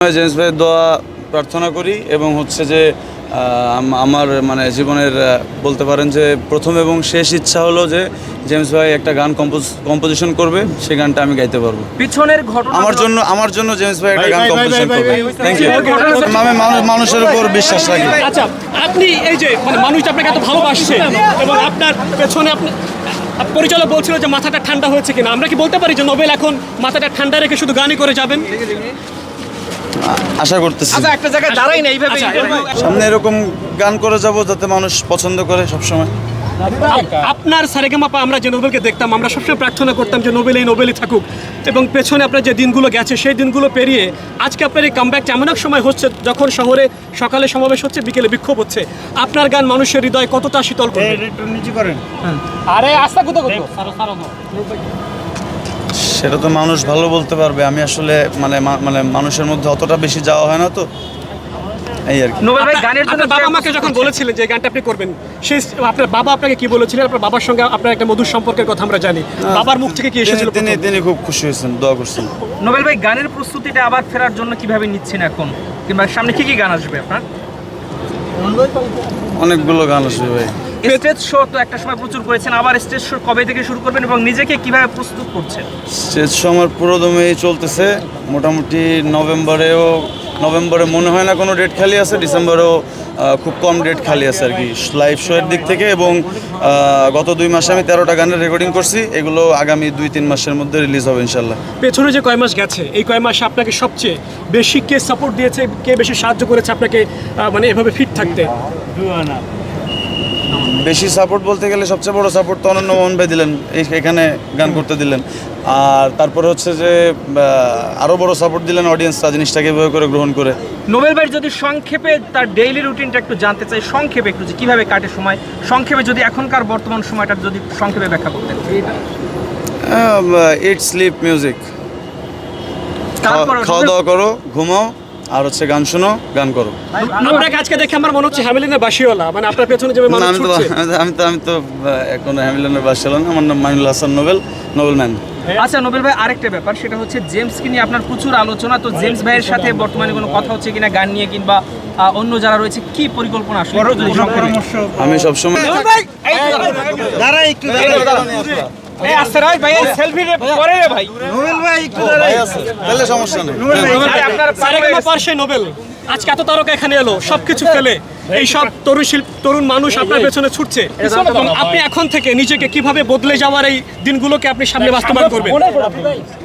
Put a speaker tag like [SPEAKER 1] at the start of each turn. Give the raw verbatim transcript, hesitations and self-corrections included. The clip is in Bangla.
[SPEAKER 1] জেমস ভাইয়ের দোয়া প্রার্থনা করি এবং হচ্ছে যে আমার মানে জীবনের বলতে পারেন যে প্রথম এবং শেষ ইচ্ছা হলো যে জেমস ভাই একটা গান কম্পোজ কম্পোজিশন করবে, সেই গানটা আমি গাইতে পারবো।
[SPEAKER 2] পিছনের ঘটনা
[SPEAKER 1] আমার জন্য আমার জন্য জেমস ভাই একটা গান কম্পোজিশন করবে। Thank you. আমি মানুষের উপর বিশ্বাস রাখি।
[SPEAKER 3] আচ্ছা, আপনি এই যে মানে মানুষ আপনাকে এত ভালোবাসছে এবং আপনার পেছনে আপনি পরিচালক বলছিল যে মাথাটা ঠান্ডা হয়েছে কিনা, আমরা কি বলতে পারি যে নোবেল এখন মাথাটা ঠান্ডা রেখে শুধু গানই করে যাবেন?
[SPEAKER 1] আশা করতেছি।
[SPEAKER 2] আচ্ছা, একটা জায়গায় দাঁড়াই না এইভাবে
[SPEAKER 1] সামনে এরকম গান করে যাব যাতে মানুষ পছন্দ করে সবসময়।
[SPEAKER 3] আপনার সারেগামাপা আমরা যে নোবেলকে দেখতাম, আমরা সবসময় প্রার্থনা করতাম যে নোবেল এই নোবেলই থাকুক, এবং পেছনে আপনার যে দিনগুলো গেছে সেই দিনগুলো পেরিয়ে আজকে আপনার এই কামব্যাকটা এমন এক সময় হচ্ছে যখন শহরে সকালে সমাবেশ হচ্ছে, বিকেলে বিক্ষোভ হচ্ছে। আপনার গান মানুষের হৃদয় কতটা শীতল করবে? আরে আস্থা কত কত
[SPEAKER 1] সেটা তো মানুষ ভালো বলতে পারবে। আমি আসলে মানে মানে মানুষের মধ্যে অতটা বেশি যাওয়া হয় না, তো এই আর কি।
[SPEAKER 2] নোবেল ভাই গানের জন্য
[SPEAKER 3] বাবা মাকে যখন বলেছিলেন যে গানটা আপনি করবেন, সেই আপনার বাবা আপনাকে কি বলেছিলেন? আপনার বাবার সঙ্গে আপনার একটা মধুর সম্পর্কের কথা আমরা জানি, বাবার মুখ থেকে কি এসেছিল?
[SPEAKER 1] তিনি তিনি খুব খুশি হয়েছেন, দোয়া করছেন।
[SPEAKER 2] নোবেল ভাই গানের প্রস্তুতিটা আবার ফেরার জন্য কিভাবে নিচ্ছেন এখন, কিংবা সামনে কি কি গান আসবে আপনার?
[SPEAKER 1] অনেকগুলো গান আসবে ভাই।
[SPEAKER 2] স্টেজ শো তো একটা সময় প্রচুর করেছেন, আবার স্টেজ শো কবে থেকে শুরু করবেন এবং নিজেকে কিভাবে প্রস্তুত করছেন?
[SPEAKER 1] স্টেজ শো আমার পুরোদমেই চলতেছে। মোটামুটি নভেম্বরেও নভেম্বরে মনে হয় না কোনো ডেট খালি আছে, ডিসেম্বরেও খুব কম ডেট খালি আছে আর কি লাইভ শো এর দিক থেকে। এবং গত দুই মাসে আমি তেরোটা গানের রেকর্ডিং করছি, এগুলো আগামী দুই তিন মাসের মধ্যে রিলিজ হবে ইনশাল্লাহ।
[SPEAKER 3] পেছনে যে কয় মাস গেছে, এই কয় মাসে আপনাকে সবচেয়ে বেশি কে সাপোর্ট দিয়েছে, কে বেশি সাহায্য করেছে আপনাকে মানে এভাবে ফিট থাকতে?
[SPEAKER 1] বেশি সাপোর্ট বলতে গেলে সবচেয়ে বড় সাপোর্ট তো অনন্য মোহন ভাই দিলেন, এখানে গান করতে দিলেন। আর তারপরে হচ্ছে যে আরও বড় সাপোর্ট দিলেন অডিয়েন্সরা, জিনিসটাকে এভাবে করে গ্রহণ করে।
[SPEAKER 2] নোবেল ভাই যদি সংক্ষেপে তার ডেইলি রুটিনটা একটু জানতে চাই, সংক্ষেপে একটু যে কীভাবে কাটে সময়, সংক্ষেপে যদি এখনকার বর্তমান সময়টা যদি সংক্ষেপে ব্যাখ্যা করতেন।
[SPEAKER 1] ইট স্লিপ মিউজিক, খাওয়া দাওয়া করো, ঘুমাও, আর হচ্ছে গান শোনো, গান করো।
[SPEAKER 3] আপনাকে আজকে দেখে আমার মনে হচ্ছে হ্যামিলিনের বাসিওয়ালা, মানে আপনার পেছনে যে মানুষ ছুটছে।
[SPEAKER 1] আমি তো আমি তো এখন হ্যামিলিনের বাসিওয়ালা না, আমার নাম মাইনুল হাসান নোবেল, নোবেল ম্যান।
[SPEAKER 2] আচ্ছা নোবেল ভাই, আরেকটা ব্যাপার, সেটা হচ্ছে জেমসকে নিয়ে আপনার প্রচুর আলোচনা, তো জেমস ভাইয়ের সাথে বর্তমানে কোনো কথা হচ্ছে কিনা গান নিয়ে, কিংবা অন্য যারা রয়েছে কি পরিকল্পনা আসলে?
[SPEAKER 1] আমি সবসময়
[SPEAKER 3] নোবেল আজকে এত তারকা এখানে এলো, সবকিছু ফেলে এই সব তরুণ শিল্প তরুণ মানুষ আপনার পেছনে ছুটছে, এবং আপনি এখন থেকে নিজেকে কিভাবে বদলে যাওয়ার এই দিনগুলোকে আপনি সামনে বাস্তবায়ন করবেন?